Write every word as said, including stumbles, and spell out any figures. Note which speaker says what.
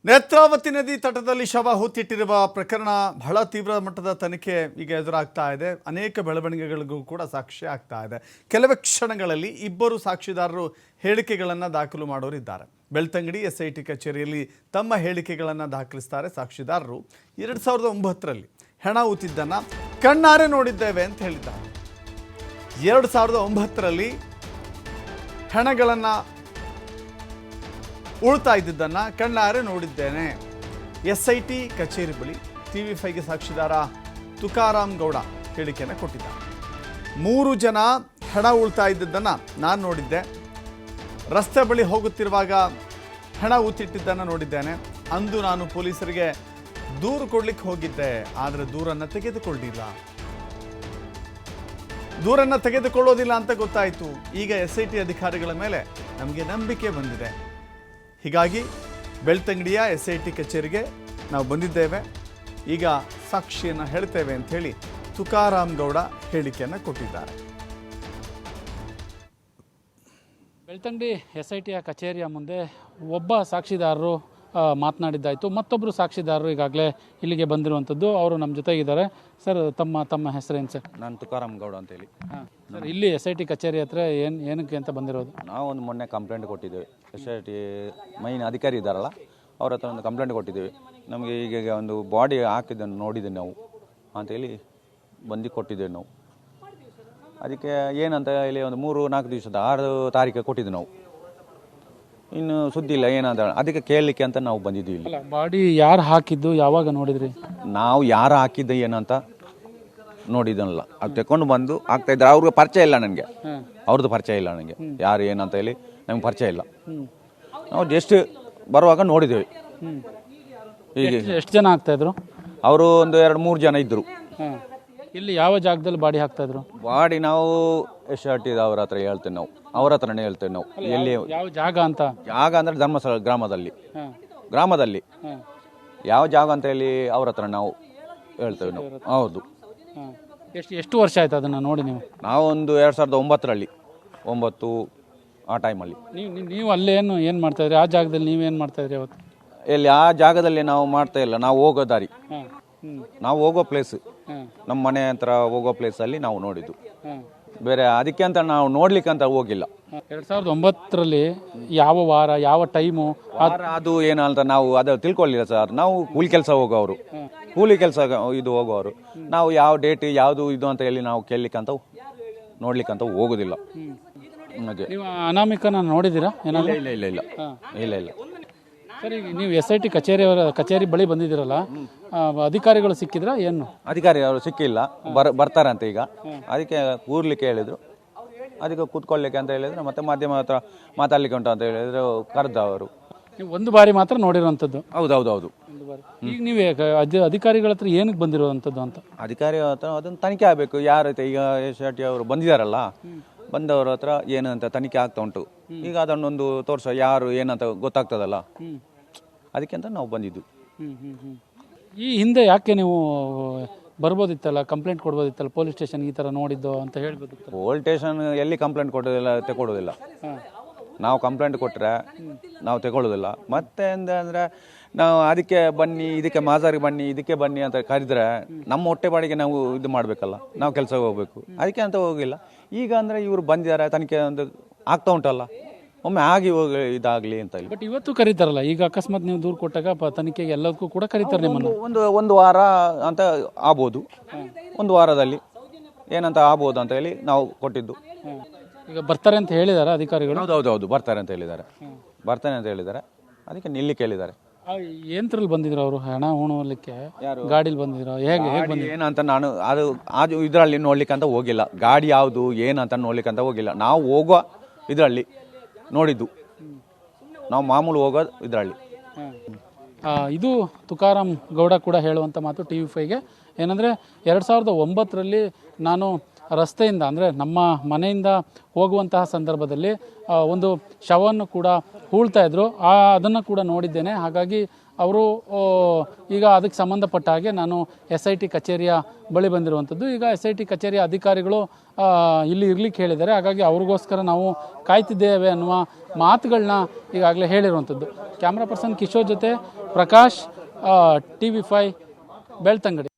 Speaker 1: ನೇತ್ರಾವತಿ ನದಿ ತಟದಲ್ಲಿ ಶವ ಹೂತಿಟ್ಟಿರುವ ಪ್ರಕರಣ ಬಹಳ ತೀವ್ರ ಮಟ್ಟದ ತನಿಖೆ ಈಗ ಎದುರಾಗ್ತಾ ಇದೆ. ಅನೇಕ ಬೆಳವಣಿಗೆಗಳಿಗೂ ಕೂಡ ಸಾಕ್ಷಿ ಆಗ್ತಾ ಇದೆ. ಕೆಲವೇ ಕ್ಷಣಗಳಲ್ಲಿ ಇಬ್ಬರು ಸಾಕ್ಷಿದಾರರು ಹೇಳಿಕೆಗಳನ್ನು ದಾಖಲು ಮಾಡೋರಿದ್ದಾರೆ. ಬೆಳ್ತಂಗಡಿ ಎಸ್ ಐ ಟಿ ಕಚೇರಿಯಲ್ಲಿ ತಮ್ಮ ಹೇಳಿಕೆಗಳನ್ನು ದಾಖಲಿಸ್ತಾರೆ ಸಾಕ್ಷಿದಾರರು. ಎರಡು ಸಾವಿರದ ಒಂಬತ್ತರಲ್ಲಿ ಹೆಣ ಹೂತಿದ್ದನ್ನು ಕಣ್ಣಾರೆ ನೋಡಿದ್ದೇವೆ ಅಂತ ಹೇಳಿದ್ದಾರೆ. ಎರಡು ಸಾವಿರದ ಒಂಬತ್ತರಲ್ಲಿ ಹೆಣಗಳನ್ನು ಉಳ್ತಾ ಇದ್ದಿದ್ದನ್ನು ಕಣ್ಣಾರೆ ನೋಡಿದ್ದೇನೆ. ಎಸ್ ಐ ಟಿ ಕಚೇರಿ ಬಳಿ ಟಿ ವಿ ಫೈವ್ಗೆ ಸಾಕ್ಷಿದಾರ ತುಕಾರಾಮ್ ಗೌಡ ಹೇಳಿಕೆಯನ್ನು ಕೊಟ್ಟಿದ್ದಾರೆ. ಮೂರು ಜನ ಹೆಣ ಉಳ್ತಾ ಇದ್ದಿದ್ದನ್ನು ನಾನು ನೋಡಿದ್ದೆ. ರಸ್ತೆ ಬಳಿ ಹೋಗುತ್ತಿರುವಾಗ ಹೆಣ ಊತಿಟ್ಟಿದ್ದನ್ನು ನೋಡಿದ್ದೇನೆ. ಅಂದು ನಾನು ಪೊಲೀಸರಿಗೆ ದೂರು ಕೊಡ್ಲಿಕ್ಕೆ ಹೋಗಿದ್ದೆ, ಆದರೆ ದೂರನ್ನು ತೆಗೆದುಕೊಳ್ಳಿಲ್ಲ ದೂರನ್ನು ತೆಗೆದುಕೊಳ್ಳೋದಿಲ್ಲ ಅಂತ ಗೊತ್ತಾಯಿತು. ಈಗ ಎಸ್ ಐ ಟಿ ಅಧಿಕಾರಿಗಳ ಮೇಲೆ ನಮಗೆ ನಂಬಿಕೆ ಬಂದಿದೆ. ಹೀಗಾಗಿ ಬೆಳ್ತಂಗಡಿಯ ಎಸ್ ಐ ಟಿ ಕಚೇರಿಗೆ ನಾವು ಬಂದಿದ್ದೇವೆ. ಈಗ ಸಾಕ್ಷಿಯನ್ನು ಹೇಳ್ತೇವೆ ಅಂತ ಹೇಳಿ ತುಕಾರಾಮ್ ಗೌಡ ಹೇಳಿಕೆಯನ್ನು ಕೊಟ್ಟಿದ್ದಾರೆ.
Speaker 2: ಬೆಳ್ತಂಗಡಿ ಎಸ್ ಐ ಟಿಯ ಕಚೇರಿಯ ಮುಂದೆ ಒಬ್ಬ ಸಾಕ್ಷಿದಾರರು ಮಾತನಾಡಿದ್ದಾಯಿತು. ಮತ್ತೊಬ್ಬರು ಸಾಕ್ಷಿದಾರರು ಈಗಾಗಲೇ ಇಲ್ಲಿಗೆ ಬಂದಿರುವಂಥದ್ದು. ಅವರು ನಮ್ಮ ಜೊತೆಗಿದ್ದಾರೆ. ಸರ್, ತಮ್ಮ ತಮ್ಮ ಹೆಸರೇನು ಸರ್?
Speaker 3: ನಾನು ತುಕಾರಾಮ್ ಗೌಡ ಅಂತೇಳಿ.
Speaker 2: ಹಾಂ ಸರ್, ಇಲ್ಲಿ ಎಸ್ ಐ ಟಿ ಕಚೇರಿ ಹತ್ರ ಏನು ಏನಕ್ಕೆ ಅಂತ ಬಂದಿರೋದು?
Speaker 3: ನಾವು ಒಂದು ಮೊನ್ನೆ ಕಂಪ್ಲೇಂಟ್ ಕೊಟ್ಟಿದ್ದೇವೆ. ಎಸ್ ಐ ಟಿ ಮೈನ್ ಅಧಿಕಾರಿ ಇದ್ದಾರಲ್ಲ, ಅವ್ರ ಹತ್ರ ಒಂದು ಕಂಪ್ಲೇಂಟ್ ಕೊಟ್ಟಿದ್ದೇವೆ. ನಮಗೆ ಈಗ ಒಂದು ಬಾಡಿ ಹಾಕಿದ್ದನ್ನು ನೋಡಿದ್ದೇವೆ ನಾವು ಅಂತೇಳಿ ಬಂದು ಕೊಟ್ಟಿದ್ದೇವೆ ನಾವು. ಅದಕ್ಕೆ ಏನಂತ ಹೇಳಿ ಒಂದು ಮೂರು ನಾಲ್ಕು ದಿವಸದ ಆರು ತಾರೀಕು ಕೊಟ್ಟಿದ್ದು ನಾವು. ಇನ್ನು ಸುದ್ದಿ ಇಲ್ಲ ಏನಂತ, ಅದಕ್ಕೆ ಕೇಳಲಿಕ್ಕೆ ಅಂತ ನಾವು ಬಂದಿದ್ದೀವಿ ಇಲ್ಲಿ.
Speaker 2: ಬಾಡಿ ಯಾರು ಹಾಕಿದ್ದು, ಯಾವಾಗ ನೋಡಿದ್ರಿ?
Speaker 3: ನಾವು ಯಾರು ಹಾಕಿದ್ದ ಏನಂತ ನೋಡಿದ್ದಲ್ಲ, ಅದು ತಗೊಂಡು ಬಂದು ಆಗ್ತಾ ಇದ್ದಾರೆ. ಅವ್ರಿಗೆ ಪರಿಚಯ ಇಲ್ಲ ನನಗೆ, ಅವ್ರದ್ದು ಪರಿಚಯ ಇಲ್ಲ ನನಗೆ, ಯಾರು ಏನಂತ ಹೇಳಿ ನಮ್ಗೆ ಪರಿಚಯ ಇಲ್ಲ. ನಾವು ಜಸ್ಟ್ ಬರುವಾಗ ನೋಡಿದ್ದೇವೆ.
Speaker 2: ಹೀಗೆ ಎಷ್ಟು ಜನ ಆಗ್ತಾ ಇದ್ರು?
Speaker 3: ಅವರು ಒಂದು ಎರಡು ಮೂರು ಜನ ಇದ್ದರು.
Speaker 2: ಇಲ್ಲಿ ಯಾವ ಜಾಗದಲ್ಲಿ ಬಾಡಿ ಹಾಕ್ತಾ ಇದ್ರು?
Speaker 3: ಬಾಡಿ ನಾವು ಎಸ್ ಆರ್ ಟಿ ಅವ್ರ ಹತ್ರ ಹೇಳ್ತೇವೆ, ನಾವು ಅವ್ರ ಹತ್ರನೇ ಹೇಳ್ತೇವೆ. ನಾವು ಎಲ್ಲಿ
Speaker 2: ಯಾವ ಜಾಗ ಅಂತ?
Speaker 3: ಜಾಗ ಅಂದ್ರೆ ಧರ್ಮಸ್ಥಳ ಗ್ರಾಮದಲ್ಲಿ ಗ್ರಾಮದಲ್ಲಿ ಯಾವ ಜಾಗ ಅಂತ ಹೇಳಿ ಅವ್ರ ಹತ್ರ ನಾವು ಹೇಳ್ತೇವೆ ನಾವು. ಹೌದು.
Speaker 2: ಎಷ್ಟು ಎಷ್ಟು ವರ್ಷ ಆಯ್ತು ಅದನ್ನು ನೋಡಿ ನೀವು?
Speaker 3: ನಾವು ಒಂದು ಎರಡು ಸಾವಿರದ ಒಂಬತ್ತರಲ್ಲಿ ಒಂಬತ್ತು ಆ ಟೈಮಲ್ಲಿ.
Speaker 2: ನೀವು ನೀವು ಅಲ್ಲೇನು ಏನು ಮಾಡ್ತಾ ಇದ್ರಿ? ಆ ಜಾಗದಲ್ಲಿ ನೀವೇನು ಮಾಡ್ತಾ ಇದ್ರಿ ಅವತ್ತು?
Speaker 3: ಎಲ್ಲಿ ಆ ಜಾಗದಲ್ಲಿ ನಾವು ಮಾಡ್ತಾ ಇಲ್ಲ. ನಾವು ಹೋಗೋ ದಾರಿ, ನಾವು ಹೋಗೋ ಪ್ಲೇಸ್, ನಮ್ಮ ಮನೆ ಹತ್ರ ಹೋಗೋ ಪ್ಲೇಸಲ್ಲಿ ನಾವು ನೋಡಿದ್ದು. ಬೇರೆ ಅದಕ್ಕೆ ಅಂತ ನಾವು ನೋಡ್ಲಿಕ್ಕೆ ಅಂತ ಹೋಗಿಲ್ಲ.
Speaker 2: ಎರಡು ಸಾವಿರದ ಒಂಬತ್ತರಲ್ಲಿ ಯಾವ ವಾರ, ಯಾವ ಟೈಮು
Speaker 3: ಅದು ಏನು ಅಂತ ನಾವು ಅದು ತಿಳ್ಕೊಳ್ಳಿಲ್ಲ ಸರ್. ನಾವು ಕೂಲಿ ಕೆಲಸ ಹೋಗೋರು, ಕೂಲಿ ಕೆಲಸ ಇದು ಹೋಗೋರು. ನಾವು ಯಾವ ಡೇಟ್ ಯಾವುದು ಇದು ಅಂತ ಹೇಳಿ ನಾವು ಕೇಳಲಿಕ್ಕಂತ ನೋಡ್ಲಿಕ್ಕಂತ ಹೋಗೋದಿಲ್ಲ.
Speaker 2: ನೀವು ಅನಾಮಿಕನ ನೋಡಿದ್ದೀರಾ?
Speaker 3: ಇಲ್ಲ ಇಲ್ಲ ಇಲ್ಲ ಇಲ್ಲ ಇಲ್ಲ ಇಲ್ಲ
Speaker 2: ಸರಿ, ನೀವು ಎಸ್ ಐ ಟಿ ಕಚೇರಿಯವರ ಕಚೇರಿ ಬಳಿ ಬಂದಿದ್ದೀರಲ್ಲ, ಅಧಿಕಾರಿಗಳು ಸಿಕ್ಕಿದ್ರ ಏನು?
Speaker 3: ಅಧಿಕಾರಿ ಅವರು ಸಿಕ್ಕಿಲ್ಲ, ಬರ್ ಬರ್ತಾರಂತೆ ಈಗ. ಅದಕ್ಕೆ ಕೂರ್ಲಿಕ್ಕೆ ಹೇಳಿದ್ರು, ಅದಕ್ಕೆ ಕೂತ್ಕೊಳ್ಳಿಕ್ಕೆ ಅಂತ ಹೇಳಿದ್ರು. ಮತ್ತೆ ಮಾಧ್ಯಮ ಹತ್ರ ಮಾತಾಡ್ಲಿಕ್ಕೆ ಉಂಟು ಅಂತ ಹೇಳಿದ್ರು, ಕರೆದ ಅವರು.
Speaker 2: ನೀವು ಒಂದು ಬಾರಿ ಮಾತ್ರ ನೋಡಿರುವಂಥದ್ದು?
Speaker 3: ಹೌದು ಹೌದು ಹೌದು.
Speaker 2: ಈಗ ನೀವು ಅಧಿಕಾರಿಗಳ ಹತ್ರ ಏನಕ್ಕೆ ಬಂದಿರುವಂಥದ್ದು ಅಂತ?
Speaker 3: ಅಧಿಕಾರಿ ಹತ್ರ ಅದನ್ನು ತನಿಖೆ ಆಗಬೇಕು. ಯಾರ ಈಗ ಎಸ್ ಆರ್ ಟಿ ಅವರು ಬಂದಿದ್ದಾರಲ್ಲ, ಬಂದವರ ಹತ್ರ ಏನಂತ ತನಿಖೆ ಆಗ್ತಾ ಉಂಟು. ಈಗ ಅದನ್ನೊಂದು ತೋರಿಸೋ, ಯಾರು ಏನಂತ ಗೊತ್ತಾಗ್ತದಲ್ಲ, ಅದಕ್ಕೆ ಅಂತ ನಾವು ಬಂದಿದ್ದು.
Speaker 2: ಈ ಹಿಂದೆ ಯಾಕೆ ನೀವು ಬರ್ಬೋದಿತ್ತಲ್ಲ, ಕಂಪ್ಲೇಂಟ್ ಕೊಡ್ಬೋದಿತ್ತಲ್ಲ ಪೊಲೀಸ್ ಸ್ಟೇಷನ್, ಈ ಥರ ನೋಡಿದ್ದು ಅಂತ ಹೇಳ್ಬೋದಿತ್ತು?
Speaker 3: ಪೊಲೀಸ್ ಸ್ಟೇಷನ್ ಎಲ್ಲಿ ಕಂಪ್ಲೇಂಟ್ ಕೊಡೋದಿಲ್ಲ, ತಗೊಳ್ಳೋದಿಲ್ಲ. ನಾವು ಕಂಪ್ಲೇಂಟ್ ಕೊಟ್ಟರೆ ನಾವು ತಗೊಳ್ಳೋದಿಲ್ಲ. ಮತ್ತೆ ಅಂದರೆ ನಾವು ಅದಕ್ಕೆ ಬನ್ನಿ, ಇದಕ್ಕೆ ಮಾಜಾರಿಗೆ ಬನ್ನಿ, ಇದಕ್ಕೆ ಬನ್ನಿ ಅಂತ ಕರೆದ್ರೆ ನಮ್ಮ ಹೊಟ್ಟೆ ಬಾಡಿಗೆ ನಾವು ಇದು ಮಾಡಬೇಕಲ್ಲ, ನಾವು ಕೆಲಸ ಹೋಗ್ಬೇಕು. ಅದಕ್ಕೆ ಅಂತ ಹೋಗಿಲ್ಲ. ಈಗ ಅಂದರೆ ಇವರು ಬಂದಿದ್ದಾರೆ, ತನಿಖೆ ಒಂದು ಆಗ್ತಾ ಉಂಟಲ್ಲ, ಒಮ್ಮೆ ಆಗಿ ಹೋಗಿ ಇದಾಗಲಿ ಅಂತ ಹೇಳಿ.
Speaker 2: ಬಟ್ ಇವತ್ತು ಕರೀತಾರಲ್ಲ, ಈಗ ಅಕಸ್ಮಾತ್ ನೀವು ದೂರು ಕೊಟ್ಟಾಗ ತನಿಖೆಗೆ ಎಲ್ಲದಕ್ಕೂ ಕೂಡ ಕರೀತಾರೆ ನಿಮ್ಮನ್ನು.
Speaker 3: ಒಂದು ಒಂದು ವಾರ ಅಂತ ಆಗ್ಬೋದು, ಒಂದು ವಾರದಲ್ಲಿ ಏನಂತ ಆಗ್ಬೋದು ಅಂತ ಹೇಳಿ ನಾವು ಕೊಟ್ಟಿದ್ದು.
Speaker 2: ಈಗ ಬರ್ತಾರೆ ಅಂತ ಹೇಳಿದ್ದಾರೆ ಅಧಿಕಾರಿಗಳು?
Speaker 3: ಹೌದು ಹೌದು ಹೌದು, ಬರ್ತಾರೆ ಅಂತ ಹೇಳಿದ್ದಾರೆ, ಬರ್ತಾನೆ ಅಂತ ಹೇಳಿದ್ದಾರೆ. ಅದಕ್ಕೆ ನಿಲ್ಲಿ ಕೇಳಿದ್ದಾರೆ.
Speaker 2: ಯಂತ್ರದಲ್ಲಿ ಬಂದಿದ್ರು ಅವರು ಹಣ ಉಣಲಿಕ್ಕೆ, ಗಾಡಿಲಿ ಬಂದಿದ್ರು, ಹೇಗೆ ಹೇಗೆ ಬಂದಿದ್ರು
Speaker 3: ಏನಂತ ನಾನು ಅದು ಅದು ಇದರಲ್ಲಿ ನೋಡ್ಲಿಕ್ಕೆ ಅಂತ ಹೋಗಿಲ್ಲ. ಗಾಡಿ ಯಾವುದು ಏನಂತ ನೋಡ್ಲಿಕ್ಕೆ ಅಂತ ಹೋಗಿಲ್ಲ. ನಾವು ಹೋಗೋ ಇದರಲ್ಲಿ ನೋಡಿದ್ದು, ನಾವು ಮಾಮೂಲು ಹೋಗೋ ಇದರಲ್ಲಿ.
Speaker 2: ಇದು ತುಕಾರಾಮ್ ಗೌಡ ಕೂಡ ಹೇಳುವಂಥ ಮಾತು ಟಿ ವಿ ಫೈವ್ಗೆ. ಏನಂದರೆ ಎರಡು ಸಾವಿರದ ಒಂಬತ್ತರಲ್ಲಿ ನಾನು ರಸ್ತೆಯಿಂದ ಅಂದರೆ ನಮ್ಮ ಮನೆಯಿಂದ ಹೋಗುವಂತಹ ಸಂದರ್ಭದಲ್ಲಿ ಒಂದು ಶವವನ್ನು ಕೂಡ ಹೂಳ್ತಾ ಇದ್ರು, ಆ ಅದನ್ನು ಕೂಡ ನೋಡಿದ್ದೇನೆ. ಹಾಗಾಗಿ ಅವರು ಈಗ ಅದಕ್ಕೆ ಸಂಬಂಧಪಟ್ಟ ಹಾಗೆ ನಾನು ಎಸ್ ಐ ಟಿ ಕಚೇರಿಯ ಬಳಿ ಬಂದಿರುವಂಥದ್ದು. ಈಗ ಎಸ್ ಐ ಟಿ ಕಚೇರಿಯ ಅಧಿಕಾರಿಗಳು ಇಲ್ಲಿ ಇರ್ಲಿಕ್ಕೆ ಹೇಳಿದ್ದಾರೆ. ಹಾಗಾಗಿ ಅವ್ರಿಗೋಸ್ಕರ ನಾವು ಕಾಯ್ತಿದ್ದೇವೆ ಅನ್ನುವ ಮಾತುಗಳನ್ನ ಈಗಾಗಲೇ ಹೇಳಿರುವಂಥದ್ದು. ಕ್ಯಾಮ್ರಾ ಪರ್ಸನ್ ಕಿಶೋರ್ ಜೊತೆ Prakash, T V five, Belthangady.